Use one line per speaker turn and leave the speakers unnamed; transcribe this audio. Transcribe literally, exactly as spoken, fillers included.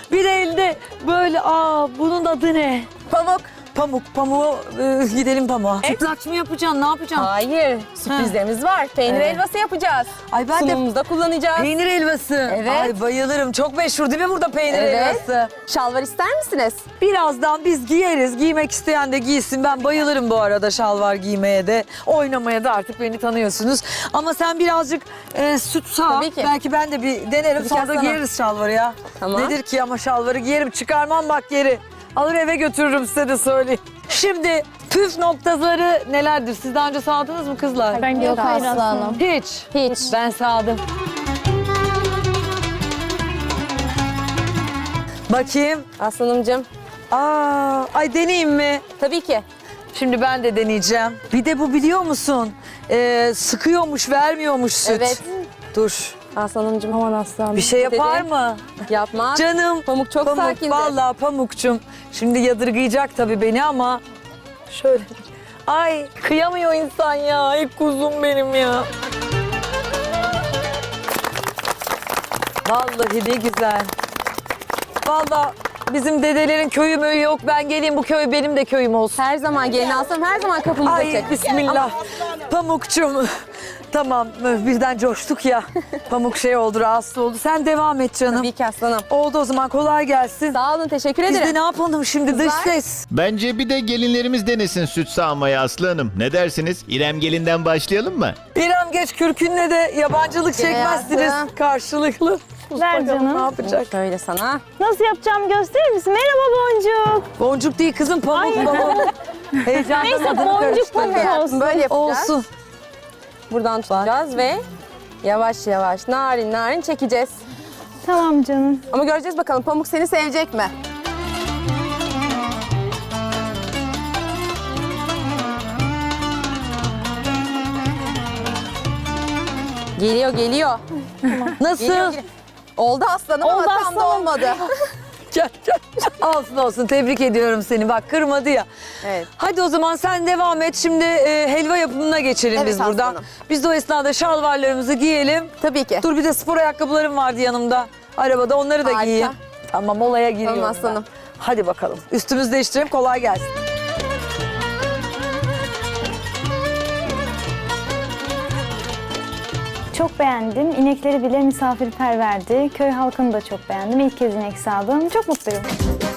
Bir de elde böyle aa bunun adı ne?
Pamuk.
Pamuk, pamuğu e, gidelim pamuğa.
Evet.
Sütlaç mı yapacaksın, ne yapacaksın?
Hayır, sürprizlerimiz var. Peynir
Evet.
helvası yapacağız.
Ay ben de
Sunumumuzda kullanacağız.
peynir helvası.
Evet.
Ay bayılırım. Çok meşhur değil mi burada peynir
Evet.
helvası?
Şalvar ister misiniz?
Birazdan biz giyeriz. Giymek isteyen de giysin. Ben bayılırım bu arada şalvar giymeye de. Oynamaya da artık beni tanıyorsunuz. Ama sen birazcık e, süt sağ.
Tabii ki.
Belki ben de bir denerim.
Bir
Sonra
kez
da
sana.
giyeriz şalvarı ya.
Tamam.
Nedir ki ama şalvarı giyerim. Çıkarmam bak geri. Alır eve götürürüm size de söyleyeyim. Şimdi püf noktaları nelerdir? Siz daha önce sağdınız mı kızlar?
Ben yok hayır aslanım.
Hiç.
Hiç.
Ben sağdım. Bakayım.
Aslanımcığım,
Aa, ay deneyeyim mi?
tabii ki.
Şimdi ben de deneyeceğim. Bir de bu biliyor musun? Ee, sıkıyormuş, vermiyormuş süt.
Evet.
Dur.
Aslanımcığım. Aman aslanım.
Bir şey yapar
Dedi.
mı?
Yapmaz.
Canım.
Pamuk çok sakindir.
Vallahi Pamukçum. Şimdi yadırgayacak tabii beni ama şöyle. Ay kıyamıyor insan ya. Ay kuzum benim ya. Vallahi ne güzel. Vallahi bizim dedelerin köyü möyü yok. Ben geleyim bu köy benim de köyüm olsun.
Her zaman gelin aslanım, her zaman kapımızda
Ay
çek.
bismillah. Pamukçum. Tamam birden coştuk ya. Pamuk şey oldu, rahatsız oldu. Sen devam et canım.
Tabii ki aslanım.
Oldu o zaman, kolay gelsin.
Sağ olun, teşekkür
Biz
ederim.
de ne yapalım şimdi, dış
Kızlar.
ses.
Bence bir de gelinlerimiz denesin süt sağmayı Aslı Hanım. Ne dersiniz? İrem gelinden başlayalım mı?
İrem geç kürkünle de yabancılık
Gel
çekmezsiniz
hayatım.
karşılıklı.
Ver
Bakalım
canım.
ne yapacak?
Şöyle sana.
Nasıl yapacağımı gösterir misin? Merhaba Boncuk.
Boncuk değil kızım, pamuk
Ay.
pamuk. Heyecandan
Neyse,
adını
boncuk
karıştırdım.
pamuk
Hayatım,
olsun.
böyle yapacağız.
Olsun.
Buradan tutacağız ve yavaş yavaş narin narin çekeceğiz.
Tamam canım.
Ama göreceğiz bakalım Pamuk seni sevecek mi? Geliyor geliyor.
Nasıl?
Geliyor, geliyor. Oldu aslanım
Oldu
ama tam da
aslanım.
olmadı.
Gel, gel. Olsun olsun, tebrik ediyorum seni. Bak kırmadı ya.
Evet.
Hadi o zaman sen devam et. Şimdi e, helva yapımına geçelim
Evet,
biz buradan.
aslanım.
Biz de o esnada şalvarlarımızı giyelim.
Tabii ki.
Dur bir de spor ayakkabılarım vardı yanımda. Arabada onları da
Harika.
giyeyim. Tamam, olaya giriyorum
Tamam
ben.
aslanım.
Hadi bakalım. Üstümüzü değiştirelim, kolay gelsin.
Çok beğendim. İnekleri bile misafirperverdi. Köy halkını da çok beğendim. İlk kez inek sağdım. Çok mutluyum.